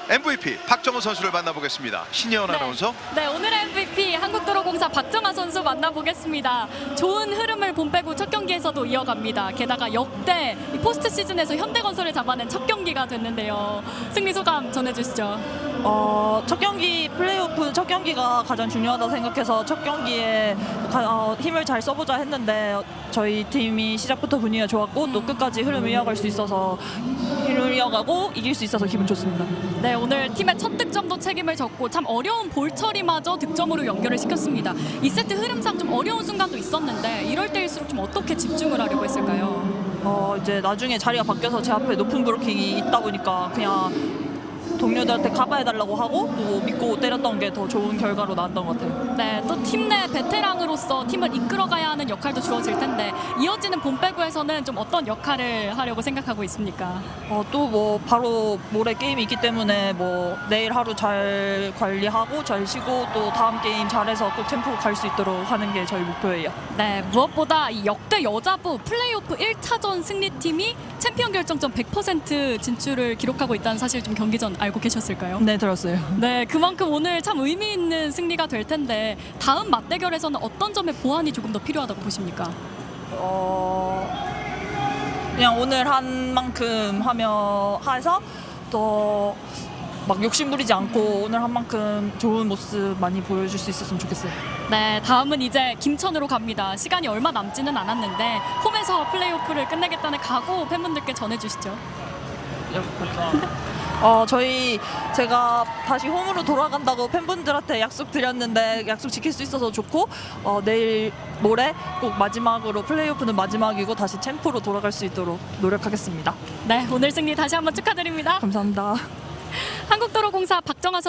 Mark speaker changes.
Speaker 1: MVP 박정호 선수를 만나보겠습니다. 신예원 아나운서.
Speaker 2: 네, 오늘의 MVP 한국도로공사 박정하 선수 만나보겠습니다. 좋은 흐름을 본 빼고 첫 경기에서도 이어갑니다. 게다가 역대 포스트 시즌에서 현대건설을 잡아낸 첫 경기가 됐는데요. 승리 소감 전해주시죠.
Speaker 3: 첫 경기 플레이오프 첫 경기가 가장 중요하다 생각해서 첫 경기에 힘을 잘 써보자 했는데 저희 팀이 시작부터 분위기가 좋았고 또 끝까지 흐름을 이어갈 수 있어서 흐름을 이어가고 이길 수 있어서 기분 좋습니다.
Speaker 2: 네, 오늘 팀의 첫 득점도 책임을 졌고 참 어려운 볼 처리마저 득점으로 연결을 시켰습니다. 2세트 흐름상 좀 어려운 순간도 있었는데 이럴 때일수록 좀 어떻게 집중을 하려고 했을까요?
Speaker 3: 이제 나중에 자리가 바뀌어서 제 앞에 높은 브로킹이 있다 보니까 그냥 동료들한테 가봐해달라고 하고 또 믿고 때렸던 게 더 좋은 결과로 나왔던 것 같아요.
Speaker 2: 네, 또 팀 내 베테랑으로서 팀을 이끌어가야 하는 역할도 주어질 텐데 이어지는 봄배구에서는 좀 어떤 역할을 하려고 생각하고 있습니까?
Speaker 3: 또 뭐 바로 모레 게임이 있기 때문에 뭐 내일 하루 잘 관리하고 잘 쉬고 또 다음 게임 잘해서 꼭 챔프 갈 수 있도록 하는 게 저희 목표예요.
Speaker 2: 네, 무엇보다 이 역대 여자부 플레이오프 1차전 승리팀이 챔피언 결정전 100% 진출을 기록하고 있다는 사실 좀 경기 전 알고 계셨을까요?
Speaker 3: 네, 들었어요.
Speaker 2: 네, 그만큼 오늘 참 의미 있는 승리가 될 텐데 다음 맞대결에서는 어떤 점에 보완이 조금 더 필요하다고 보십니까?
Speaker 3: 그냥 오늘 한 만큼 해서 더 막 욕심 부리지 않고 오늘 한 만큼 좋은 모습 많이 보여줄 수 있었으면 좋겠어요.
Speaker 2: 네, 다음은 이제 김천으로 갑니다. 시간이 얼마 남지는 않았는데 홈에서 플레이오프를 끝내겠다는 각오 팬분들께 전해주시죠.
Speaker 3: 제가 다시 홈으로 돌아간다고 팬분들한테 약속 드렸는데 약속 지킬 수 있어서 좋고 내일 모레 꼭 마지막으로 플레이오프는 마지막이고 다시 챔프로 돌아갈 수 있도록 노력하겠습니다.
Speaker 2: 네, 오늘 승리 다시 한번 축하드립니다.
Speaker 3: 감사합니다.
Speaker 2: 한국도로공사 박정하